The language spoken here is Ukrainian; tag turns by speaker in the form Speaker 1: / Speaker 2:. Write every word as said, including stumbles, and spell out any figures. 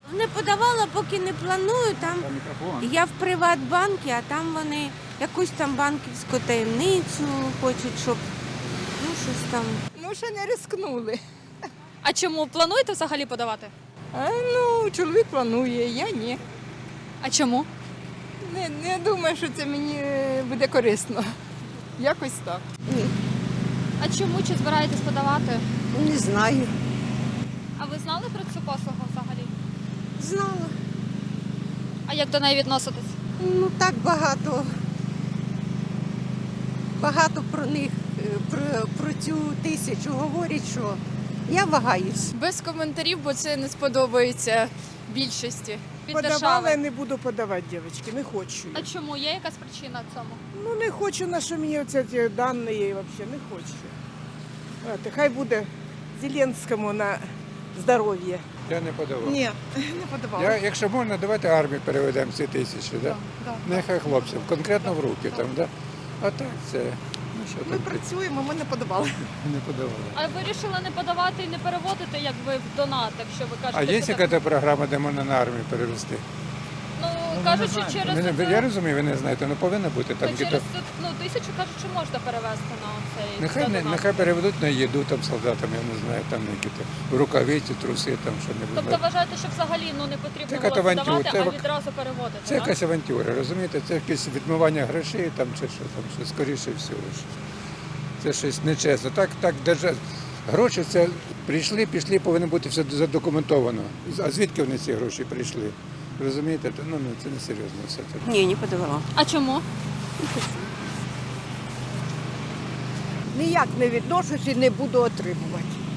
Speaker 1: Не подавала, поки не планую. Там я в Приватбанку, а там вони якусь там банківську таємницю хочуть, щоб ну щось там.
Speaker 2: Ну, ще не рискнули.
Speaker 3: А чому плануєте взагалі подавати?
Speaker 2: А, ну, чоловік планує, я ні.
Speaker 3: А чому?
Speaker 2: Не, не думаю, що це мені е, буде корисно. Якось так.
Speaker 3: А чому чи збираєтесь подавати?
Speaker 4: Не знаю.
Speaker 3: А ви знали про цю послугу взагалі?
Speaker 4: Знала.
Speaker 3: А як до неї відноситесь?
Speaker 4: Ну так багато. Багато про них, е, про, про цю тисячу говорять, що я вагаюсь.
Speaker 5: Без коментарів, бо це не сподобається більшості.
Speaker 3: Від
Speaker 6: Подавала,
Speaker 3: держави.
Speaker 6: не буду подавати, дівчатки, не хочу.
Speaker 3: А чому? Є якась причина цьому?
Speaker 6: Ну не хочу, на що мені оці ці дані взагалі, не хочу. От, хай буде Зеленському на здоров'я.
Speaker 7: Я не подавав.
Speaker 6: Ні, не подавала.
Speaker 7: Я, якщо можна, давайте армію переведемо ці тисячі, да? Нехай хлопців, конкретно в руки там, да? А так це, ну що
Speaker 6: Ми
Speaker 7: там,
Speaker 6: працюємо, ми не подавали.
Speaker 7: не подавали.
Speaker 3: А ви вирішили не подавати і не переводити, як ви в донат, якщо ви кажете,
Speaker 7: А є
Speaker 3: що так?
Speaker 7: якась програма, де можна на армію перевести?
Speaker 3: Ну, кажуть, що через,
Speaker 7: Ви не-
Speaker 3: це-
Speaker 7: Я розумію, ви не знаєте, ну повинна бути там.
Speaker 3: ну,
Speaker 7: якісь-
Speaker 3: через це, ну, тисячу кажуть, що можна перевести на цей
Speaker 7: Нехай, не,
Speaker 3: донат.
Speaker 7: нехай переведуть на їду там солдатам, я не знаю, там які то рукавиці, труси, там що-небудь.
Speaker 3: Тобто вважаєте, що взагалі ну, не потрібно
Speaker 7: Це
Speaker 3: було
Speaker 7: катавантюр,
Speaker 3: здавати,
Speaker 7: це
Speaker 3: а
Speaker 7: вак-
Speaker 3: відразу переводити,
Speaker 7: Це
Speaker 3: так?
Speaker 7: якась авантюра, розумієте? Це якесь відмивання грошей там чи що там, що скоріше всього. ж. Це щось нечесно. Так, так держа... Гроші це прийшли, пішли, повинно бути все задокументовано. А звідки вони ці гроші прийшли? Розумієте? Та, Ну, ну це не серйозно все це.
Speaker 1: Ні, не подавала.
Speaker 3: А чому?
Speaker 4: Ніяк не відношусь і не буду отримувати.